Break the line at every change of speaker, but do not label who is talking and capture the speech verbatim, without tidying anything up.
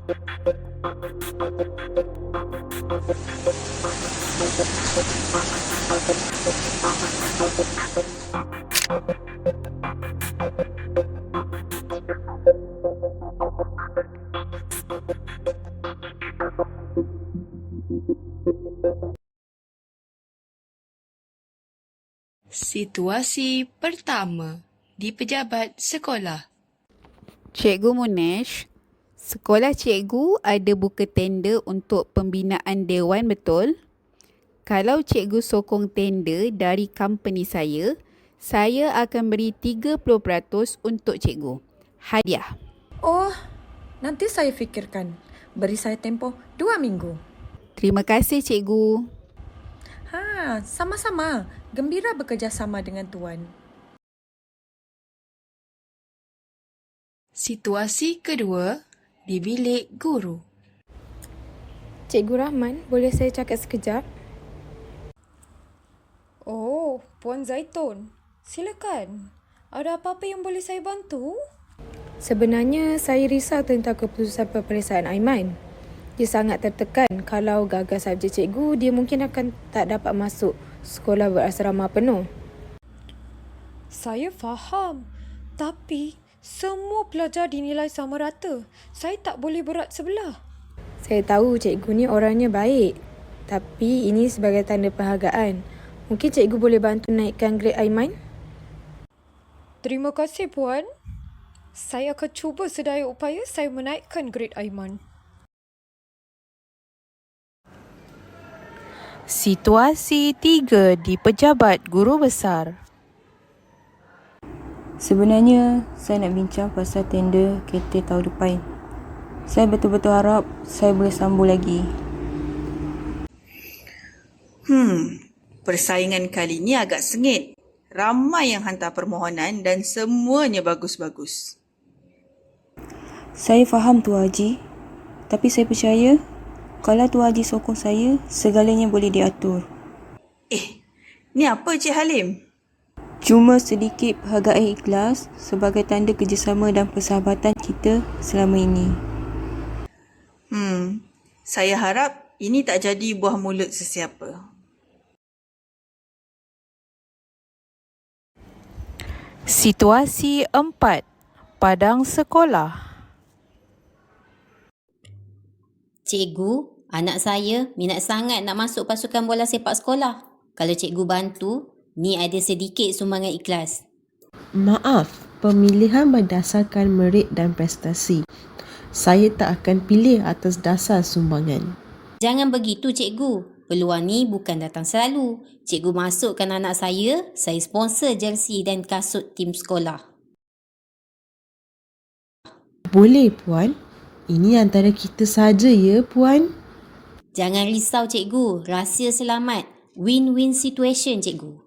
Situasi pertama di pejabat sekolah.
Cikgu Munesh, sekolah cikgu ada buka tender untuk pembinaan dewan, betul? Kalau cikgu sokong tender dari company saya, saya akan beri tiga puluh peratus untuk cikgu. Hadiah.
Oh, nanti saya fikirkan. Beri saya tempoh dua minggu.
Terima kasih, cikgu.
Ha, sama-sama. Gembira bekerjasama dengan Tuan.
Situasi kedua di bilik guru.
Cikgu Rahman, boleh saya cakap sekejap?
Oh, Puan Zaitun. Silakan. Ada apa-apa yang boleh saya bantu?
Sebenarnya saya risau tentang keputusan peperiksaan Aiman. Dia sangat tertekan kalau gagal subjek cikgu, dia mungkin akan tak dapat masuk sekolah berasrama penuh.
Saya faham. Tapi semua pelajar dinilai sama rata. Saya tak boleh berat sebelah.
Saya tahu cikgu ni orangnya baik. Tapi ini sebagai tanda penghargaan. Mungkin cikgu boleh bantu naikkan grade Aiman?
Terima kasih, Puan. Saya akan cuba sedaya upaya saya menaikkan grade Aiman.
Situasi tiga di pejabat guru besar.
Sebenarnya, saya nak bincang pasal tender K T tahun depan. Saya betul-betul harap saya boleh sambung lagi.
Hmm, persaingan kali ni agak sengit. Ramai yang hantar permohonan dan semuanya bagus-bagus.
Saya faham Tuan Haji, tapi saya percaya kalau Tuan Haji sokong saya, segalanya boleh diatur.
Eh, ni apa Cik Halim?
Cuma sedikit penghargaan ikhlas sebagai tanda kerjasama dan persahabatan kita selama ini.
Hmm, saya harap ini tak jadi buah mulut sesiapa.
Situasi empat, padang sekolah.
Cikgu, anak saya minat sangat nak masuk pasukan bola sepak sekolah. Kalau cikgu bantu, ni ada sedikit sumbangan ikhlas.
Maaf, pemilihan berdasarkan merit dan prestasi. Saya tak akan pilih atas dasar sumbangan.
Jangan begitu cikgu. Peluang ni bukan datang selalu. Cikgu masukkan anak saya, saya sponsor jersey dan kasut tim sekolah.
Boleh, Puan. Ini antara kita saja ya, Puan.
Jangan risau cikgu, rahsia selamat. Win-win situation cikgu.